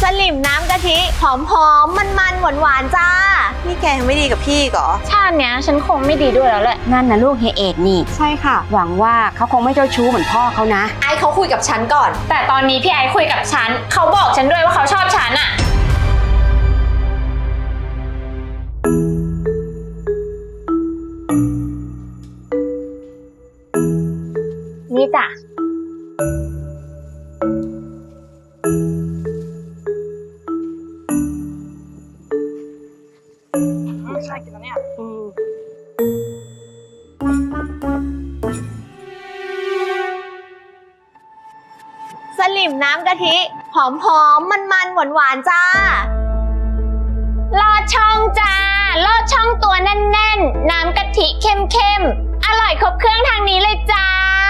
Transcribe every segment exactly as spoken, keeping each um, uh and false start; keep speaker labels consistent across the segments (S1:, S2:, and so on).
S1: สลิมน้ำกะทิหอมหอมมันมันหวานหวานจ้านี่แกยังไม่ดีกับพี่เหรอ
S2: ชาติเนี้ยฉันคงไม่ดีด้วยแล้วแหละ
S3: นั่นนะลูกเฮยเอกนี่
S1: ใช่ค่ะ
S3: หวังว่าเขาคงไม่เจ้าชู้เหมือนพ่อเขานะ
S1: ไอเขาคุยกับฉันก่อน
S2: แต่ตอนนี้พี่ไอคุยกับฉันเขาบอกฉันด้วยว่าเขาชอบฉันอะนี่จ้ะ
S4: ใช่กินแล้วเนี่ย
S1: สลิมน้ำกะทิหอมหอมมันมันหวานหวานจ้า
S2: ลอดช่องจ้าลอดช่องตัวแน่นๆน้ำกะทิเข้มๆอร่อยครบเครื่องทางนี้เลยจ้า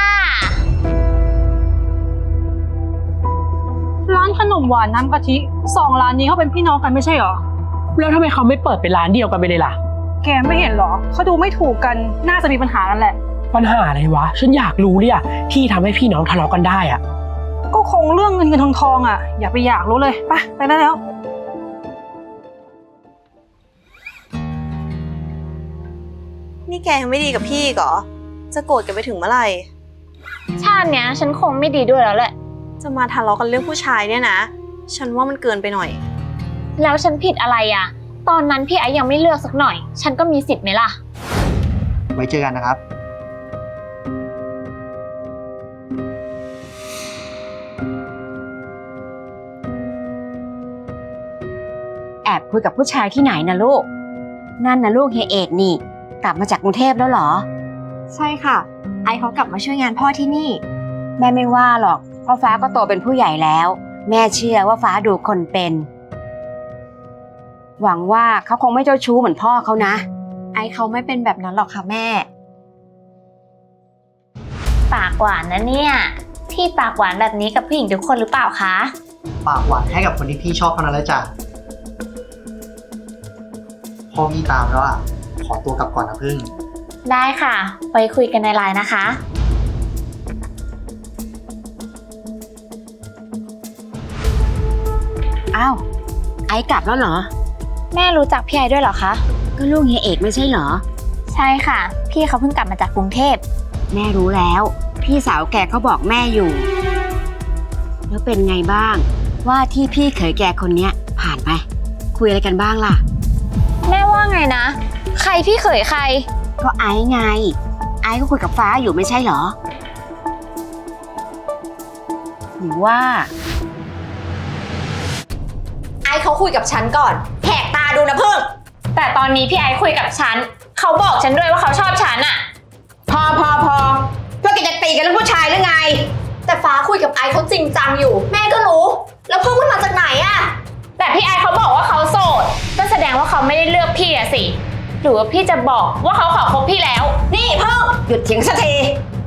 S4: ร้านขนมหวานน้ำกะทิสองร้านนี้เขาเป็นพี่น้องกันไม่ใช่หรอ
S5: แล้วทำไมเขาไม่เปิดเป็นร้านเดียวกันไปเลยล่ะ
S4: แกไม่เห็นหรอเขาดูไม่ถูกกันน่าจะมีปัญหากันแหละ
S5: ปัญหาอะไรวะฉันอยากรู้เลยอะที่ทำให้พี่น้องทะเลาะกันได้อะ
S4: ก็คงเรื่องเงินเงินทองทองอ่ะอย่าไปอยากรู้เลยไปไปได้แล้ว
S1: นี่แกยังไม่ดีกับพี่เหรอจะโกรธกันไปถึงเมื่อไหร่
S2: ชาติเนี้ยฉันคงไม่ดีด้วยแล้วแหละ
S1: จะมาทะเลาะกันเรื่องผู้ชายเนี่ยนะฉันว่ามันเกินไปหน่อย
S2: แล้วฉันผิดอะไรอ่ะตอนนั้นพี่ไอ้ยังไม่เลือกสักหน่อยฉันก็มีสิทธิ์ไหมล่ะ
S6: ไว้เจอกันนะครับ
S3: แอบคุยกับผู้ชายที่ไหนนะลูกนั่นนะลูกเฮยเอกนี่กลับมาจากกรุงเทพแล้วเหรอ
S1: ใช่ค่ะไอเขากลับมาช่วยงานพ่อที่นี่
S3: แม่ไม่ว่าหรอกเพราะฟ้าก็โตเป็นผู้ใหญ่แล้วแม่เชื่อว่าฟ้าดูคนเป็นหวังว่าเขาคงไม่เจ้าชู้เหมือนพ่อเขานะ
S1: ไอเขาไม่เป็นแบบนั้นหรอกค่ะแม่
S2: ปากหวานนะเนี่ยพี่ปากหวานแบบนี้กับผู้หญิงทุกคนหรือเปล่าคะ
S6: ปากหวานให้กับคนที่พี่ชอบเท่านั้นแหละจ้ะพ่อพี่ตามแล้วอ่ะขอตัวกลับก่อนนะพึ่ง
S2: ได้ค่ะไปคุยกันในไลน์นะคะ
S3: อ้าวไอ้กลับแล้วเหรอ
S2: แม่รู้จักพี่ไอด้วยเหรอคะ
S3: ก็ลูกเฮียเอกไม่ใช่เหรอ
S2: ใช่ค่ะพี่เขาเพิ่งกลับมาจากกรุงเทพ
S3: แม่รู้แล้วพี่สาวแกเขาบอกแม่อยู่แล้วเป็นไงบ้างว่าที่พี่เขยแกคนเนี้ยผ่านไปคุยอะไรกันบ้างล่ะ
S2: แม่ว่าไงนะใครพี่เขยใคร
S3: ก็ไอ้ไงไอ้ก็คุยกับฟ้าอยู่ไม่ใช่เหรอหรือว่า
S1: ไอเขาคุยกับฉันก่อนแหกตาดูนะเพิ่ง
S2: แต่ตอนนี้พี่ไอคุยกับฉันเขาบอกฉันด้วยว่าเขาชอบฉันอะ
S3: พอพอพอพวกแกจะตีกันเรื่องผู้ชายหรือไง
S1: แต่ฟ้าคุยกับไอเขาจริงจังอยู่แม่ก็รู้แล้วเพิ่งมันมาจากไหนอะ
S2: แต่พี่ไอเขาบอกว่าเขาโสดก็แสดงว่าเขาไม่ได้เลือกพี่อะสิหรือว่าพี่จะบอกว่าเขาขอคบพี่แล้ว
S1: นี่เพิ่ง
S3: หยุดเถียงสักที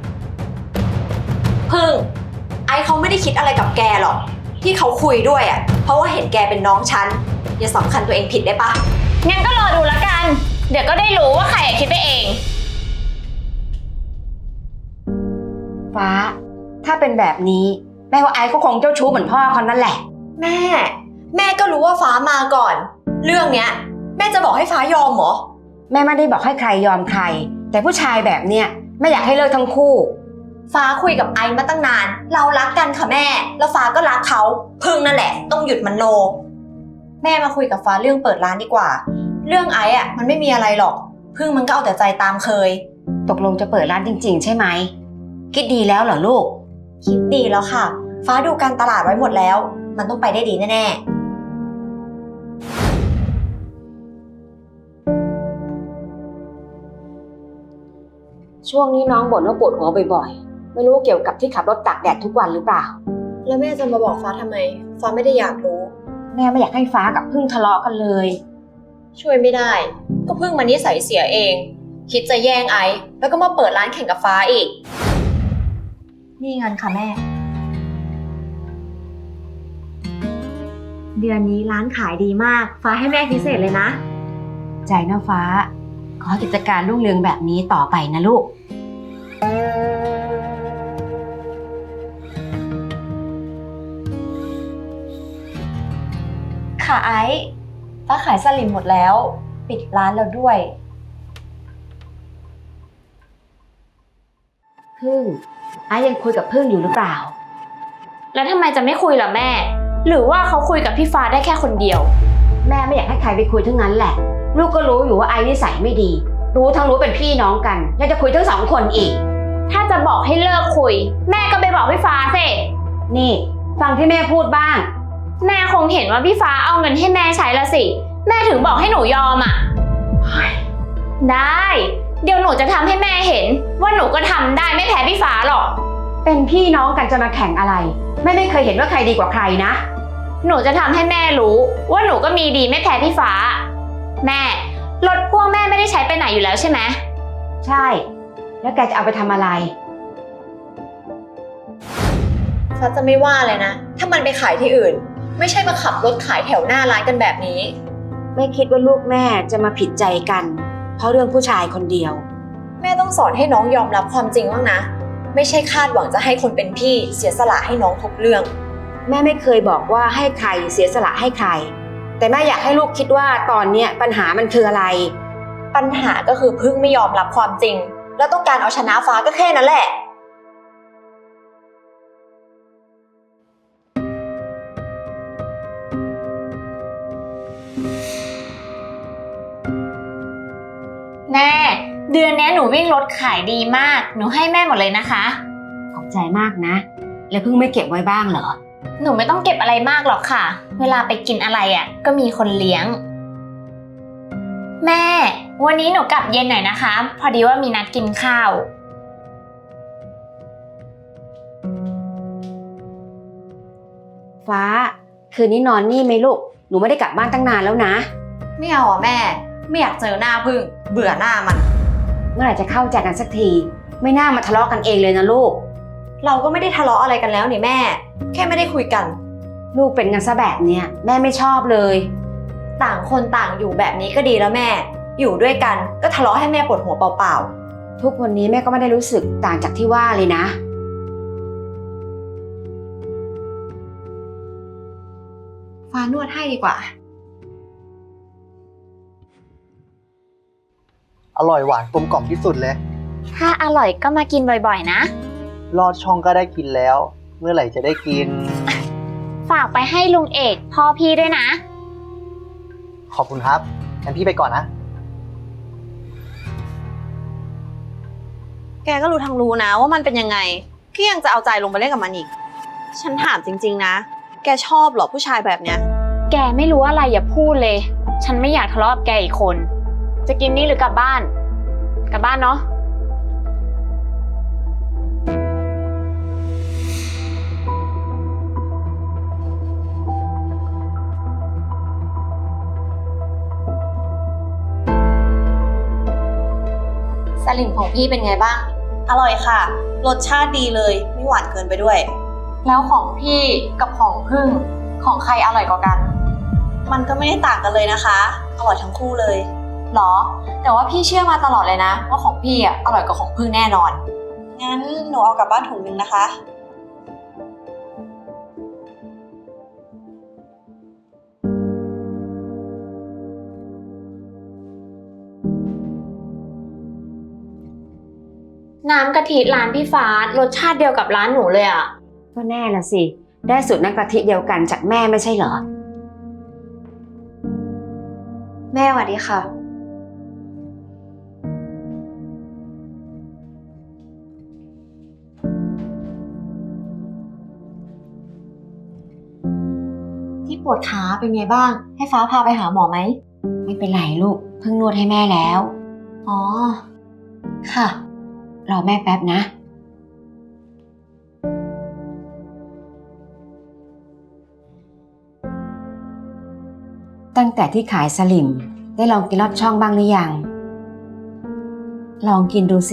S1: เพิ่งไอเขาไม่ได้คิดอะไรกับแกหรอกที่เขาคุยด้วยอ่ะเพราะว่าเห็นแกเป็นน้องฉันอย่าสำคัญตัวเองผิดได้ปะ
S2: งั้นก็รอดูแล้วกันเดี๋ยวก็ได้รู้ว่าใครคิดไปเอง
S3: ฟ้าถ้าเป็นแบบนี้แม่ว่าไอ้ก็คงเจ้าชู้เหมือนพ่อคนนั่นแหละ
S1: แม่แม่ก็รู้ว่าฟ้ามาก่อนเรื่องเนี้ยแม่จะบอกให้ฟ้ายอมเหรอ
S3: แม่ไม่ได้บอกให้ใครยอมใครแต่ผู้ชายแบบเนี้ยแม่อยากให้เลิกทั้งคู่
S1: ฟ้าคุยกับไอมาตั้งนานเรารักกันค่ะแม่แล้วฟ้าก็รักเขาพึ่งนั่นแหละต้องหยุดมโนแม่มาคุยกับฟ้าเรื่องเปิดร้านดีกว่าเรื่องไออ่ะมันไม่มีอะไรหรอกพึ่งมันก็เอาแต่ใจตามเคย
S3: ตกลงจะเปิดร้านจริงๆใช่ไหมคิดดีแล้วเหรอลูก
S1: คิดดีแล้วค่ะฟ้าดูการตลาดไว้หมดแล้วมันต้องไปได้ดีแน่
S3: ๆช่วงนี้น้องบ่นว่าปวดหัวบ่อยๆไม่รู้เกี่ยวกับที่ขับรถตากแดดทุกวันหรือเปล่า
S1: แล้วแม่จะมาบอกฟ้าทำไมฟ้าไม่ได้อยากรู้
S3: แม่ไม่อยากให้ฟ้ากับพึ่งทะเลาะกันเลย
S1: ช่วยไม่ได้ก็พึ่งมันนิสัยเสียเองคิดจะแย่งไอแล้วก็มาเปิดร้านแข่งกับฟ้าอีกนี่เงินค่ะแม่เดือนนี้ร้านขายดีมากฟ้าให้แม่พิเศษเลยนะ
S3: ใจนะฟ้าขอกิจการรุ่งเรืองแบบนี้ต่อไปนะลูก
S1: พค่ะไอซ์ฟ้าขายสลิมหมดแล้ว ปิดร้านแล้วด้วย
S3: พึ่งไอ้ยังคุยกับพึ่งอยู่หรือเปล่า
S2: แล้วทำไมจะไม่คุยล่ะแม่ หรือว่าเขาคุยกับพี่ฟ้าได้แค่คนเดียว
S3: แม่ไม่อยากให้ใครไปคุยทั้งนั้นแหละ ลูกก็รู้อยู่ว่าไอ้นิสัยไม่ดี รู้ทั้งรู้เป็นพี่น้องกันยังจะคุยทั้งสองคนอีก
S2: ถ้าจะบอกให้เลิกคุย แม่ก็ไปบอกพี่ฟ้าสิ
S3: นี่ฟังที่แม่พูดบ้าง
S2: แม่คงเห็นว่าพี่ฟ้าเอาเงินให้แม่ใช้ละสิ แม่ถึงบอกให้หนูยอมอ่ะ ได้ เดี๋ยวหนูจะทำให้แม่เห็น ว่าหนูก็ทำได้ไม่แพ้พี่ฟ้าหรอก
S3: เป็นพี่น้องกันจะมาแข่งอะไรแม่ไม่เคยเห็นว่าใครดีกว่าใครนะ
S2: หนูจะทำให้แม่รู้ว่าหนูก็มีดีไม่แพ้พี่ฟ้า แม่รถพ่วงแม่ไม่ได้ใช้ไปไหนอยู่แล้วใช่ไหม
S3: ใช่ แล้วแกจะเอาไปทำอะไร
S1: ฟ้าจะไม่ว่าเลยนะ ถ้ามันไปขายที่อื่น ไม่ใช่มาขับรถขายแถวหน้าร้านกันแบบนี้
S3: ไม่คิดว่าลูกแม่จะมาผิดใจกัน เพราะเรื่องผู้ชายคนเดียว
S1: แม่ต้องสอนให้น้องยอมรับความจริงบ้างนะ ไม่ใช่คาดหวังจะให้คนเป็นพี่เสียสละให้น้องทุกเรื่อง
S3: แม่ไม่เคยบอกว่าให้ใครเสียสละให้ใคร แต่แม่อยากให้ลูกคิดว่าตอนเนี้ยปัญหามันคืออะไร
S1: ปัญหาก็คือพึ่งไม่ยอมรับความจริง แล้วต้องการเอาชนะฟ้าก็แค่นั้นแหละ
S2: แม่ เดือนนี้หนูวิ่งรถขายดีมาก หนูให้แม่หมดเลยนะคะ
S3: ขอบใจมากนะ แล้วเพิ่งไม่เก็บไว้บ้างเหรอ
S2: หนูไม่ต้องเก็บอะไรมากหรอกค่ะ เวลาไปกินอะไรอ่ะ ก็มีคนเลี้ยง แม่ วันนี้หนูกลับเย็นหน่อยนะคะ พอดีว่ามีนัดกินข้าว
S3: ฟ้า คืนนี้นอนนี่ไหมลูก หนูไม่ได้กลับบ้านตั้งนานแล้วนะ
S1: ไม่เอาอ่ะแม่ ไม่อยากเจอหน้าพึ่ง เบื่อหน้ามัน
S3: เมื่อไหร่จะเข้าใจกันสักที ไม่น่ามาทะเลาะกันเองเลยนะลูก
S1: เราก็ไม่ได้ทะเลาะอะไรกันแล้วนี่แม่ แค่ไม่ได้คุยกัน
S3: ลูกเป็นกันซะแบบเนี้ยแม่ไม่ชอบเลย
S1: ต่างคนต่างอยู่แบบนี้ก็ดีแล้วแม่ อยู่ด้วยกันก็ทะเลาะให้แม่ปวดหัวเปล่า
S3: ทุกวันนี้แม่ก็ไม่ได้รู้สึกต่างจากที่ว่าเลยนะ
S1: ๆ ฟ้านวดให้ดีกว่า
S6: อร่อยหวานกลมกล่อมที่สุดเลย
S2: ถ้าอร่อยก็มากินบ่อยๆนะ
S6: ลอดช่องก็ได้กินแล้ว เมื่อไหร่จะได้กิน
S2: ฝากไปให้ลุงเอกพ่อพี่ด้วยนะ
S6: ขอบคุณครับงั้นพี่ไปก่อนนะ
S7: แกก็รู้ทั้งรู้นะว่ามันเป็นยังไงก็ยังจะเอาใจลงไปเล่นกับมันอีก ฉันถามจริงๆนะ แกชอบเหรอผู้ชายแบบเนี้ย
S2: แกไม่รู้อะไรอย่าพูดเลย ฉันไม่อยากทะเลาะกับแกอีกคน จะกินนี่หรือกลับบ้าน กลับบ้านเนาะ
S1: สลิมของพี่เป็นไงบ้าง
S7: อร่อยค่ะ รสชาติดีเลยไม่หวานเกินไปด้วย
S1: แล้วของพี่กับของพึ่ง ของใครอร่อยกว่ากัน
S7: มันก็ไม่ได้ต่างกันเลยนะคะ อร่อยทั้งคู่เลย
S1: หรอ แต่ว่าพี่เชื่อมาตลอดเลยนะ ว่าของพี่อ่ะอร่อยกว่าของพึ่งแน่นอน
S7: งั้นหนูเอากลับบ้านถุงนึงนะคะ
S2: น้ำกะทิร้านพี่ฟ้ารสชาติเดียวกับร้านหนูเลยอะ
S3: ก็แน่ละสิ ได้สูตรน้ำกะทิเดียวกันจากแม่ไม่ใช่เหรอ
S1: แม่สวัสดีค่ะ ที่ปวดขาเป็นไงบ้าง ให้ฟ้าพาไปหาหมอไหม
S3: ไม่เป็นไรลูก เพิ่งนวดให้แม่แล้ว
S1: อ๋อ ค่ะ
S3: รอแม่แป๊บนะ ตั้งแต่ที่ขายสลิมได้ลองกินลอดช่องบ้างหรือยัง ลองกินดูสิ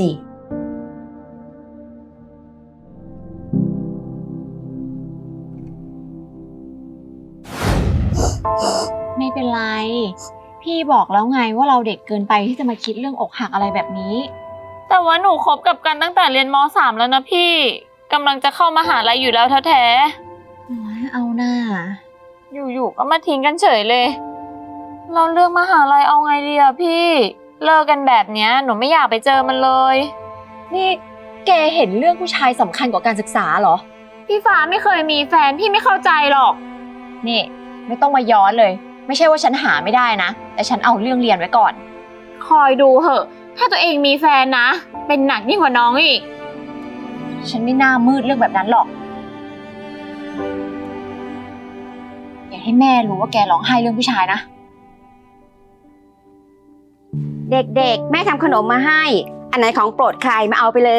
S2: ไม่เป็นไร พี่บอกแล้วไงว่าเราเด็กเกินไปที่จะมาคิดเรื่องอกหักอะไรแบบนี้ แต่ว่าหนูคบกับกันตั้งแต่เรียนม สาม แล้วนะพี่กำลังจะเข้ามหาลัยอยู่แล้วแท้ๆเอาหน้าอยู่ๆก็มาทิ้งกันเฉยเลย เราเลือกมหาลัยเอาไงดีอะพี่ เลิกกันแบบเนี้ยหนูไม่อยากไปเจอมันเลย
S1: นี่แกเห็นเรื่องผู้ชายสำคัญกว่าการศึกษาเหรอ
S2: พี่ฟ้าไม่เคยมีแฟนพี่ไม่เข้าใจหรอก
S1: นี่ไม่ต้องมาย้อนเลย ไม่ใช่ว่าฉันหาไม่ได้นะ แต่ฉันเอาเรื่องเรียนไว้ก่อน
S2: คอยดูเหอะ ถ้าตัวเองมีแฟนนะ เป็นหนักยิ่งกว่าน้องอีก
S1: ฉันไม่น่ามืดเรื่องแบบนั้นหรอก อย่าให้แม่รู้ว่าแกร้องไห้เรื่องผู้ชายนะ
S3: เด็กๆ แม่ทำขนมมาให้ อันไหนของโปรดใครมาเอาไปเลย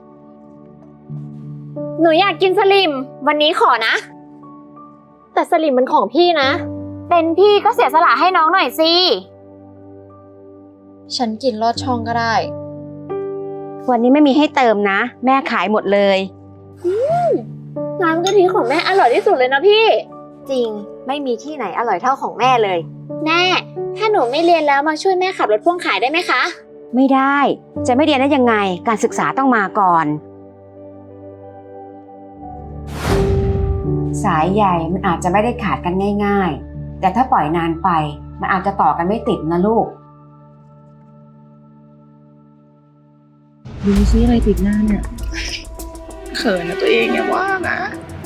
S2: หนูอยากกินสลิม วันนี้ขอนะ แต่สลิมมันของพี่นะ เป็นพี่ก็เสียสละให้น้องหน่อยสิ
S1: ฉันกินลอดช่องก็ได้
S3: วันนี้ไม่มีให้เติมนะ แม่ขายหมดเลย
S2: น้ำกะทิของแม่อร่อยที่สุดเลยนะพี่
S1: จริงไม่มีที่ไหนอร่อยเท่าของแม่เลย
S2: แม่ ถ้าหนูไม่เรียนแล้วมาช่วยแม่ขับรถพ่วงขายได้ไหมคะ
S3: ไม่ได้ จะไม่เรียนได้ยังไง การศึกษาต้องมาก่อน สายใหญ่มันอาจจะไม่ได้ขาดกันง่ายๆ แต่ถ้าปล่อยนานไป มันอาจจะต่อกันไม่ติดนะลูก
S4: ดูซิอะไรติดหน้าเนี่ย เขินนะตัวเองอย่าว่านะ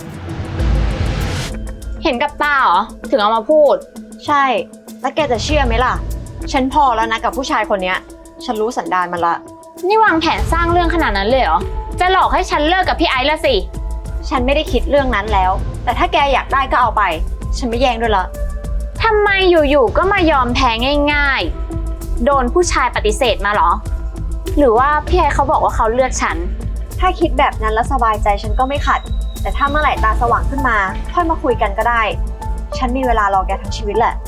S2: เห็นกับตาเหรอ ถึงเอามาพูด
S1: ใช่ แล้วแกจะเชื่อไหมล่ะ ฉันพอแล้วนะกับผู้ชายคนเนี้ย ฉันรู้สันดานมันละ
S2: นี่วางแผนสร้างเรื่องขนาดนั้นเลยเหรอ จะหลอกให้ฉันเลิกกับพี่ไอซ์ละสิ
S1: ฉันไม่ได้คิดเรื่องนั้นแล้ว แต่ถ้าแกอยากได้ก็เอาไป ฉันไม่แย่งด้วยละ
S2: ทำไมอยู่ๆก็มายอมแพ้ง่ายๆ โดนผู้ชายปฏิเสธมาเหรอ หรือว่าพี่ไอซ์เขาบอกว่าเขาเลือกฉัน
S1: ถ้าคิดแบบนั้นแล้วสบายใจฉันก็ไม่ขัด แต่ถ้าเมื่อไหร่ตาสว่างขึ้นมา ค่อยมาคุยกันก็ได้ ฉันมีเวลารอแกทั้งชีวิตแหละ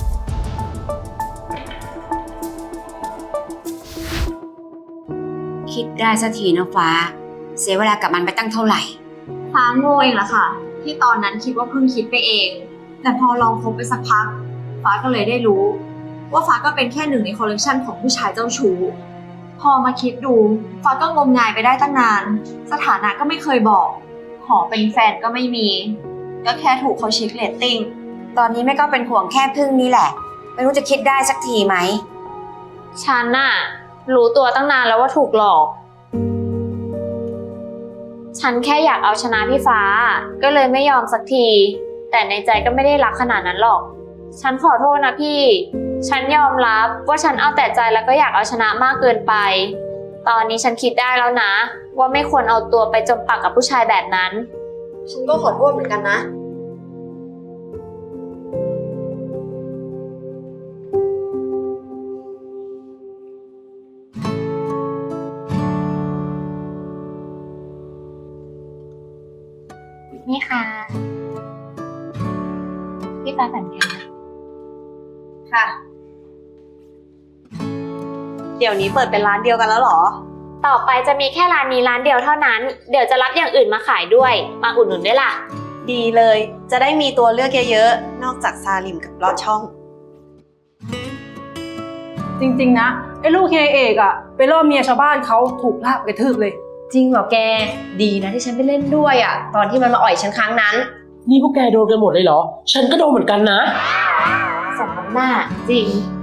S3: คิดได้สักทีนะฟ้า เสียเวลากับมันไปตั้งเท่าไหร่
S1: ฟ้าโง่เองแหละค่ะ ที่ตอนนั้นคิดว่าเพิ่งคิดไปเอง แต่พอลองคบไปสักพัก ฟ้าก็เลยได้รู้ ว่าฟ้าก็เป็นแค่หนึ่งในคอลเลกชันของผู้ชายเจ้าชู้พอมาคิดดู ฟ้าก็งมงายไปได้ตั้งนาน สถานะก็ไม่เคยบอก ขอเป็นแฟนก็ไม่มี ก็แค่ถูกเขาเช็คเรตติ้ง
S3: ตอนนี้แม่ก็เป็นห่วงแค่พึ่งนี่แหละ ไม่รู้จะคิดได้สักทีไหม
S2: ฉันน่ะรู้ตัวตั้งนานแล้วว่าถูกหลอก ฉันแค่อยากเอาชนะพี่ฟ้า ก็เลยไม่ยอมสักที แต่ในใจก็ไม่ได้รักขนาดนั้นหรอก ฉันขอโทษนะพี่ ฉันยอมรับว่าฉันเอาแต่ใจแล้วก็อยากเอาชนะมากเกินไป ตอนนี้ฉันคิดได้แล้วนะ ว่าไม่ควรเอาตัวไปจมปักกับผู้ชายแบบนั้น
S1: ฉันก็ขอโทษเหมือนกันนะ
S2: นี่ค่ะพี่ฟ้าสัญญา
S1: ค่ะ เดี๋ยวนี้เปิดเป็นร้านเดียวกันแล้วเหรอ
S2: ต่อไปจะมีแค่ร้านนี้ร้านเดียวเท่านั้น เดี๋ยวจะรับอย่างอื่นมาขายด้วย มาอุดหนุนด้วยล่ะ
S7: ดีเลย จะได้มีตัวเลือกเยอะๆ นอกจากซาลิมกับลอดช่อง
S4: จริงๆนะ ไอ้ลูกเฮียเอกอะไปล่อเมียชาวบ้านเขาถูกลากไปกระทืบเลย
S1: จริงเหรอแก ดีนะที่ฉันไปเล่นด้วยอ่ะ ตอนที่มันมาอ่อยฉันครั้งนั้น
S5: นี่พวกแกโดนกันหมดเลยเหรอ ฉันก็โดนเหมือนกันนะ
S1: สมน้ำหน้า จริง